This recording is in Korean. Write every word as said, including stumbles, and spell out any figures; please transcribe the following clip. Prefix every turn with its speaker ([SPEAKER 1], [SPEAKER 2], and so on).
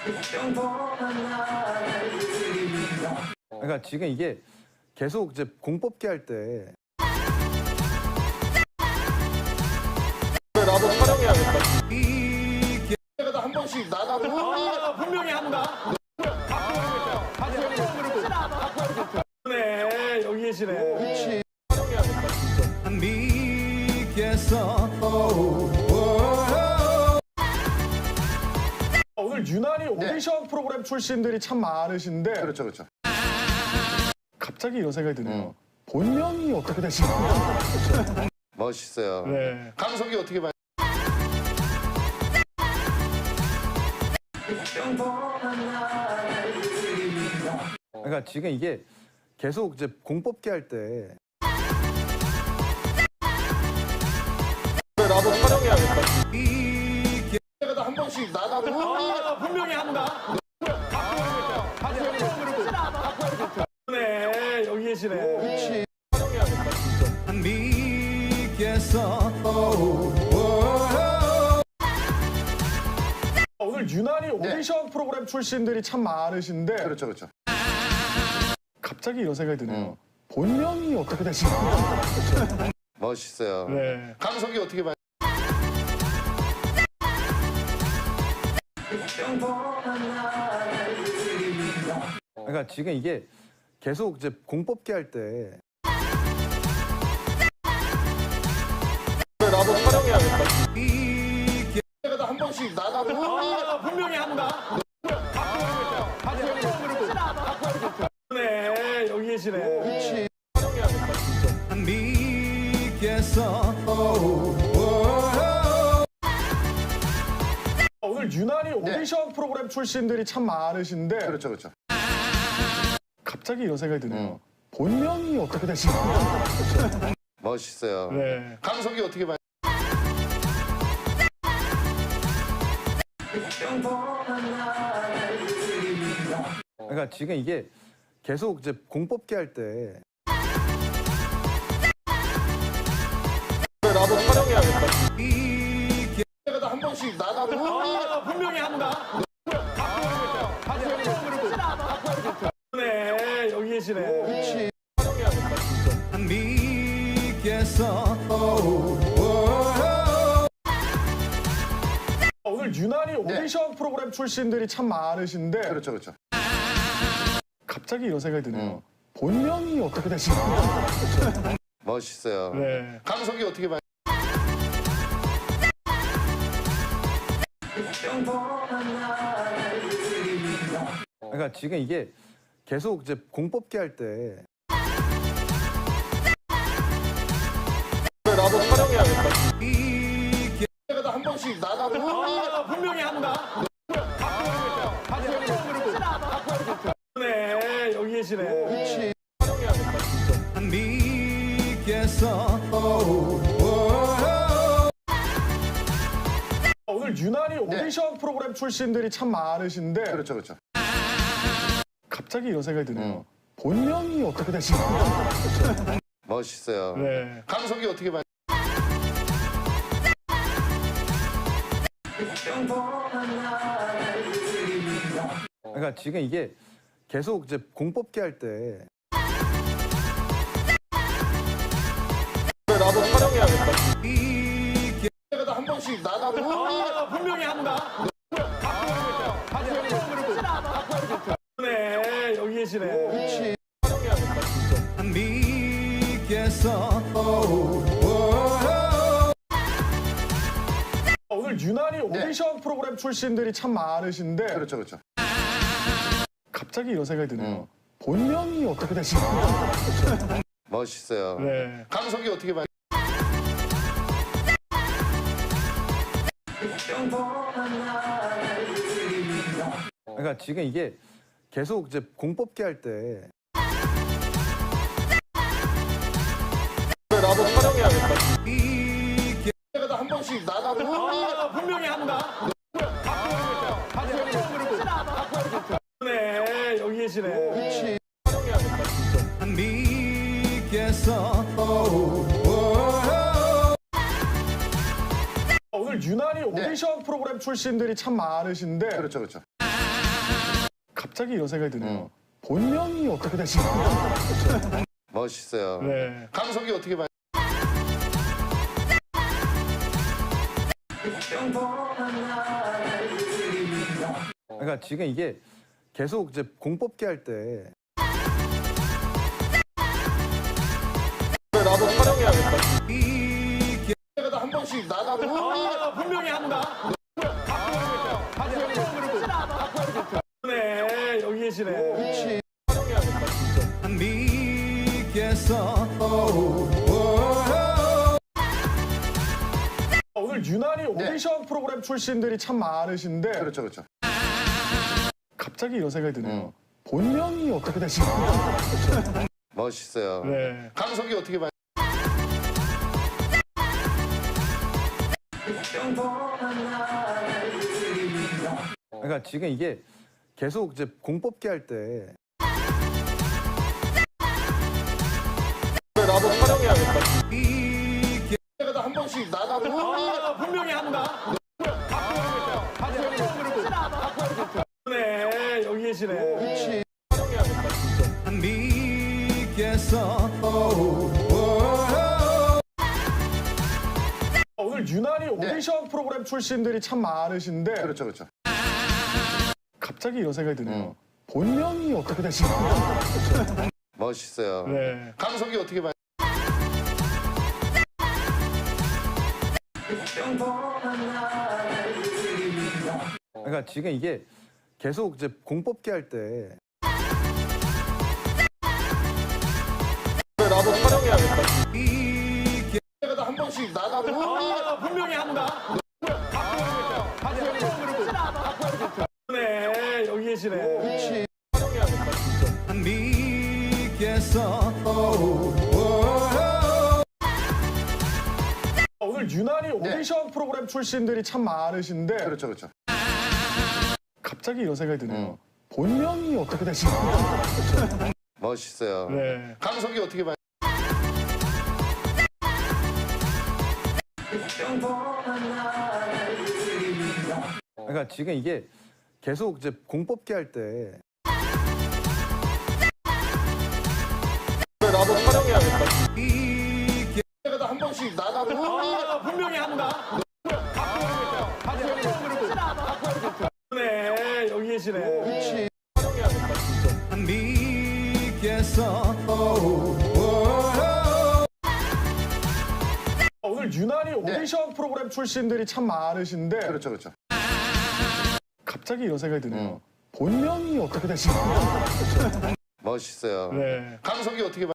[SPEAKER 1] 그러니까 지금 이게 계속 이제 공 뽑기 할 때
[SPEAKER 2] 나도 촬영해야겠다.
[SPEAKER 3] 내가 한 번씩 나가고
[SPEAKER 2] 아, 분명히 한다. 네, 여기 계시네.
[SPEAKER 3] 그렇지.
[SPEAKER 2] 오늘 유난히 오디션 프로그램 출신들이 참 많으신데
[SPEAKER 3] 그렇죠, 그렇죠.
[SPEAKER 2] 갑자기 이런 생각이 드네요.
[SPEAKER 3] 음.
[SPEAKER 2] 본명이 어떻게 되시나요?
[SPEAKER 3] 멋있어요.
[SPEAKER 2] 네.
[SPEAKER 3] 강석이 어떻게 봐요?
[SPEAKER 1] 그러니까 지금 이게 계속 이제 공 뽑기 할 때
[SPEAKER 2] 나도 촬영해야겠다.
[SPEAKER 3] 내가 한 번씩 나가고
[SPEAKER 2] 아, 분명히 한다. 네, 여기 계시네.
[SPEAKER 3] 그렇지.
[SPEAKER 2] 오늘 유난히 오디션 프로그램 출신들이 참 많으신데
[SPEAKER 3] 그렇죠, 그렇죠.
[SPEAKER 2] 갑자기 이런 생각이 드네요.
[SPEAKER 3] 음.
[SPEAKER 2] 본명이 어떻게 되시나요?
[SPEAKER 3] 멋있어요.
[SPEAKER 2] 네.
[SPEAKER 3] 강석이 어떻게 봐요?
[SPEAKER 1] 그러니까 지금 이게 계속 이제 공 뽑기 할 때
[SPEAKER 2] 나도 촬영해야겠다.
[SPEAKER 3] 내가 한 번씩 나가고
[SPEAKER 2] 아, 분명히 한다. 네, 여기 계시네.
[SPEAKER 3] 그렇지.
[SPEAKER 2] 오늘 유난히 오디션 프로그램 출신들이 참 많으신데
[SPEAKER 3] 그렇죠, 그렇죠.
[SPEAKER 2] 갑자기 이런 생각이 드네요.
[SPEAKER 3] 음.
[SPEAKER 2] 본명이 어떻게 되시나요?
[SPEAKER 3] 멋있어요.
[SPEAKER 2] 네.
[SPEAKER 3] 강석이 어떻게 봐요?
[SPEAKER 1] 그러니까 지금 이게 계속 이제 공 뽑기 할 때
[SPEAKER 2] 나도 촬영해야겠다.
[SPEAKER 3] 내가 한 번씩 나가고
[SPEAKER 2] 아, 분명히 한다. 네, 여기 계시네.
[SPEAKER 3] 그렇지.
[SPEAKER 2] 오늘 유난히 오디션 프로그램 출신들이 참 많으신데
[SPEAKER 3] 그렇죠, 그렇죠.
[SPEAKER 2] 갑자기 이런 생각이 드네요.
[SPEAKER 3] 음.
[SPEAKER 2] 본명이 어떻게 되시나요?
[SPEAKER 3] 멋있어요.
[SPEAKER 2] 네.
[SPEAKER 3] 강석이 어떻게 봐요?
[SPEAKER 1] 그러니까 지금 이게 계속 이제 공 뽑기 할 때
[SPEAKER 2] 나도 촬영해야겠다.
[SPEAKER 3] 내가 한 번씩 나가고
[SPEAKER 2] 아, 분명히 한다. 네, 여기 계시네.
[SPEAKER 3] 그렇지.
[SPEAKER 2] 오늘 유난히 오디션 프로그램 출신들이 참 많으신데
[SPEAKER 3] 그렇죠, 그렇죠.
[SPEAKER 2] 갑자기 이런 생각이 드네요.
[SPEAKER 3] 음.
[SPEAKER 2] 본명이 어떻게 되시나요?
[SPEAKER 3] 멋있어요.
[SPEAKER 2] 네.
[SPEAKER 3] 강석이 어떻게 봐요?
[SPEAKER 1] 그러니까 지금 이게 계속 이제 공 뽑기 할 때
[SPEAKER 2] 나도 촬영해야겠다.
[SPEAKER 3] 내가 한 번씩 나가고
[SPEAKER 2] 아, 분명히 한다. 네, 여기 계시네.
[SPEAKER 3] 그렇지.
[SPEAKER 2] 오늘 유난히 오디션 프로그램 출신들이 참 많으신데
[SPEAKER 3] 그렇죠, 그렇죠.
[SPEAKER 2] 갑자기 이런 생각이 드네요.
[SPEAKER 3] 음.
[SPEAKER 2] 본명이 어떻게 되시나요?
[SPEAKER 3] 멋있어요.
[SPEAKER 2] 네.
[SPEAKER 3] 강석이 어떻게 봐요?
[SPEAKER 1] 그러니까 지금 이게 계속 이제 공 뽑기 할 때
[SPEAKER 2] 나도 촬영해야겠다.
[SPEAKER 3] 내가 한 번씩 나가고
[SPEAKER 2] 아, 분명히 한다. 네, 여기 계시네.
[SPEAKER 3] 그렇지.
[SPEAKER 2] 오늘 유난히 오디션 프로그램 출신들이 참 많으신데
[SPEAKER 3] 그렇죠, 그렇죠.
[SPEAKER 2] 갑자기 이런 생각이 드네요.
[SPEAKER 3] 응.
[SPEAKER 2] 본명이 어떻게 되시나요?
[SPEAKER 3] 멋있어요.
[SPEAKER 2] 네.
[SPEAKER 3] 강석이 어떻게 봐요?
[SPEAKER 1] 그러니까 지금 이게 계속 이제 공뽑기 할 때
[SPEAKER 2] 나도 촬영해야겠다.
[SPEAKER 3] 내가 한 번씩 나가면
[SPEAKER 2] 아, 분명히 한다. 네, 여기 계시네.
[SPEAKER 3] 그렇지.
[SPEAKER 2] 오늘 유난히 오디션 프로그램 출신들이 참 많으신데
[SPEAKER 3] 그렇죠, 그렇죠.
[SPEAKER 2] 갑자기 이런 생각이 드네요.
[SPEAKER 3] 응.
[SPEAKER 2] 본명이 어떻게 되시나요?
[SPEAKER 3] 멋있어요.
[SPEAKER 2] 네.
[SPEAKER 3] 강석이 어떻게 봐요?
[SPEAKER 1] 그러니까 지금 이게 계속 이제 공뽑기 할 때
[SPEAKER 2] 나도 촬영해야겠다.
[SPEAKER 3] 내가 한 번씩 나가면
[SPEAKER 2] 아, 분명히 한다. 네, 여기 계시네.
[SPEAKER 3] 그렇지.
[SPEAKER 2] 오늘 유난히 오디션 프로그램 출신들이 참 많으신데
[SPEAKER 3] 그렇죠, 그렇죠.
[SPEAKER 2] 갑자기 이런 생각이 드네요.
[SPEAKER 3] 응.
[SPEAKER 2] 본명이 어떻게 되시나요?
[SPEAKER 3] 멋있어요.
[SPEAKER 2] 네.
[SPEAKER 3] 강석이 어떻게 봐요?
[SPEAKER 1] 그러니까 지금 이게 계속 이제 공뽑기 할 때
[SPEAKER 2] 나도 촬영해야겠다.
[SPEAKER 3] 내가 한 번씩 나가면
[SPEAKER 2] 아, 분명히 한다. 네, 여기 계시네.
[SPEAKER 3] 그렇지.
[SPEAKER 2] 오늘 유난히 오디션 프로그램 출신들이 참 많으신데
[SPEAKER 3] 그렇죠, 그렇죠.
[SPEAKER 2] 갑자기 이런 생각이 드네요.
[SPEAKER 3] 응.
[SPEAKER 2] 본명이 어떻게 되시나요?
[SPEAKER 3] 멋있어요.
[SPEAKER 2] 네.
[SPEAKER 3] 강석이 어떻게 봐요?
[SPEAKER 1] 그러니까 지금 이게 계속 이제 공뽑기 할 때
[SPEAKER 2] 나도 촬영해야겠다.
[SPEAKER 3] 내가 한 번씩 나가면
[SPEAKER 2] 아, 분명히 한다. 네, 여기 계시네.
[SPEAKER 3] 그렇지.
[SPEAKER 2] 오늘 유난히 오디션 프로그램 출신들이 참 많으신데
[SPEAKER 3] 그렇죠, 그렇죠.
[SPEAKER 2] 갑자기 이런 생각이 드네요.
[SPEAKER 3] 응.
[SPEAKER 2] 본명이 어떻게 되시나요?
[SPEAKER 3] 멋있어요.
[SPEAKER 2] 네.
[SPEAKER 3] 강석이 어떻게 봐요?